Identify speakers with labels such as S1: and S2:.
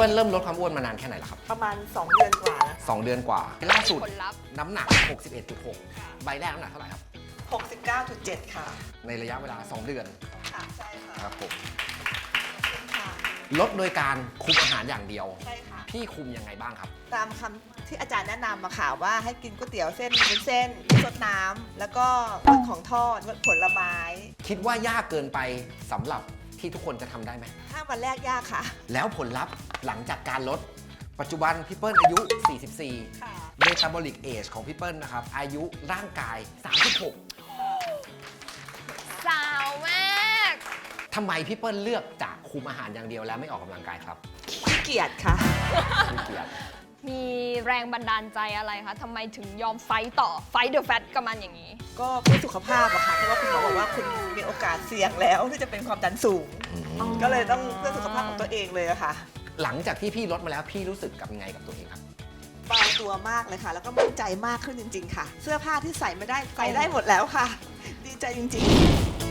S1: ปิ้ลเริ่มลดความอ้วนมานานแค่ไหนแล้วครับ
S2: ประมาณ2 เดือนกว่าแล้ว
S1: 2 เดือนกว่าล่าสุด
S3: ผลลัพธ์
S1: น้ำหนัก 61.6 ใบแรกน้ำหนักเท่าไหร่ครับ
S2: 69.7 ค่ะ
S1: ในระยะเวลา 2 เดือน
S2: ค่ะใช่ค่ะ
S1: ครับผม
S2: ค่ะ
S1: ลดโดยการคุมอาหารอย่างเดียว
S2: ใช่ค่ะ
S1: พี่คุมยังไงบ้างครับ
S2: ตามคำที่อาจารย์แนะนำมาค่ะว่าให้กินก๋วยเตี๋ยวเส้นเป็นเส้นสดน้ำแล้วก็งดของทอดงดผลไม้
S1: คิดว่ายากเกินไปสำหรับที่ทุกคนจะทำได้ไหม
S2: 5 วันแรกยากค่ะ
S1: แล้วผลลัพธ์หลังจากการลด ปัจจุบันพี่เปิ้ลอายุ 44
S2: ค่ะ
S1: เมตาบอลิกเอจของพี่เปิ้ลนะครับ อายุร่างกาย 36
S3: สาวมาก
S1: ทำไมพี่เปิ้ลเลือกจะคุมอาหารอย่างเดียวแล้วไม่ออกกำลังกายครับ
S2: ขี้เกียจค่ะ
S1: ขี้เกียจ
S3: มีแรงบันดาลใจอะไรคะทำไมถึงยอมไฟต์ต่อไฟต์เดอะแฟตกับมันอย่างนี้
S2: ก็เพื่อสุขภาพอะค่ะเพราะว่าคุณหมอบอกว่าคุณมีโอกาสเสี่ยงแล้วที่จะเป็นความดันสูง ก็เลยต้องเพื่อสุขภาพของตัวเองเลยอะค่ะ
S1: หลังจากที่พี่ลดมาแล้วพี่รู้สึกกับยังไงกับตัวเองครับ
S2: เบาตัวมากเลยค่ะ แล้วก็มั่นใจมากขึ้นจริง ๆ ค่ะ เสื้อผ้าที่ใส่ไม่ได้ใส่ได้หมดแล้วค่ะ ดีใจจริง ๆ